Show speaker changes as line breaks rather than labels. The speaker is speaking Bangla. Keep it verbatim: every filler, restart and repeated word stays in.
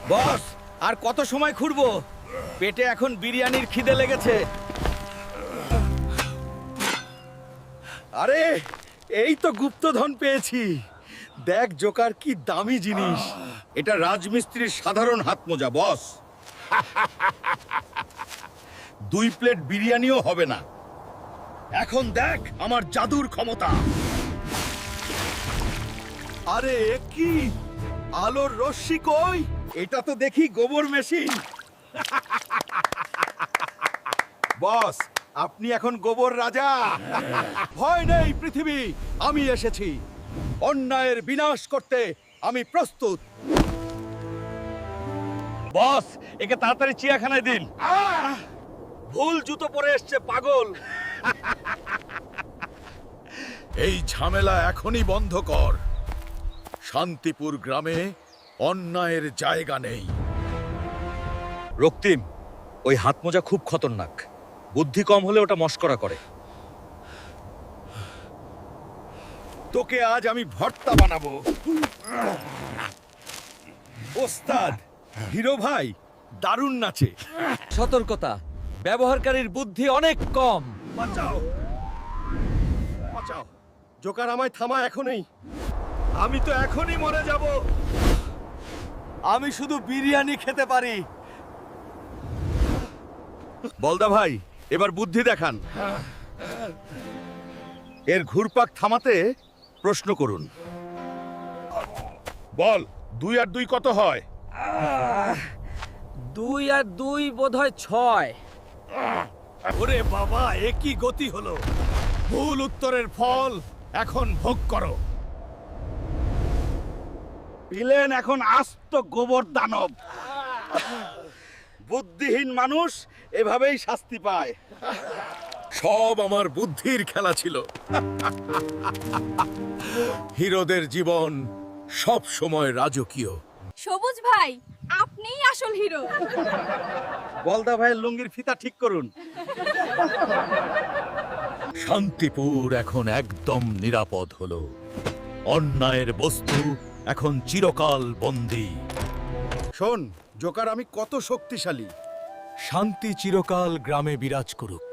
বস, আর কত সময় ঘুরবো? পেটে এখন বিরিয়ানির খিদে লেগেছে। আরে, এই তো গুপ্তধন পেয়েছি। দেখ জোকার, কি দামি জিনিস। এটা রাজমিস্ত্রির সাধারণ হাত মোজা বস। দুই প্লেট বিরিয়ানিও হবে না। এখন দেখ আমার জাদুর ক্ষমতা। আরে এ কি? আলোর রশ্মি কই? এটা তো দেখি গোবর মেশিন। বস, আপনি এখন গোবর রাজা। ভয় নেই পৃথিবী, আমি এসেছি। অন্যায়ের বিনাশ করতে আমি প্রস্তুত। বস, একে তাড়াতাড়ি চিড়িয়াখানায় দিন। ভুল জুতো পরে এসছে পাগল। এই ঝামেলা এখনই বন্ধ কর। শান্তিপুর গ্রামে অন্যায়ের জায়গা নেই। রক্তিম, ওই হাতমোজা খুব খতরনাক। বুদ্ধি কম হলে ওটা মস্করা করে। তোকে আজ আমি ভর্তা বানাবো। ওস্তাদ, হিরো ভাই দারুণ নাচে।
সতর্কতা, ব্যবহারকারীর বুদ্ধি অনেক কম।
বাঁচাও, বাঁচাও। জোকার, আমায় থামা এখনই। আমি তো এখনই মরে যাব। আমি শুধু বিরিয়ানি খেতে পারি। বলদা ভাই, এবার বুদ্ধি দেখান। এর ঘুরপাক থামাতে প্রশ্ন করুন। বল, দুই আর দুই কত হয়?
দুই আর দুই বোধহয় ছয়।
ওরে বাবা, এ কি গতি হলো! ভুল উত্তরের ফল এখন ভোগ করো। পিলেন এখন আস্ত গোবর দানব। বুদ্ধিহীন মানুষ এভাবেই শাস্তি পায়। সব আমার বুদ্ধির খেলা ছিল। হিরোদের জীবন সব সময় রাজকীয়।
সবুজ ভাই, আপনিই আসল হিরো।
বলদা ভাইয়ের লুঙ্গির ফিতা ঠিক করুন। শান্তিপুর এখন একদম নিরাপদ হলো। অন্যায়ের বস্তু এখন চিরকাল বন্দী। শোন জোকার, আমি কত শক্তিশালী। শান্তি চিরকাল গ্রামে বিরাজ করুক।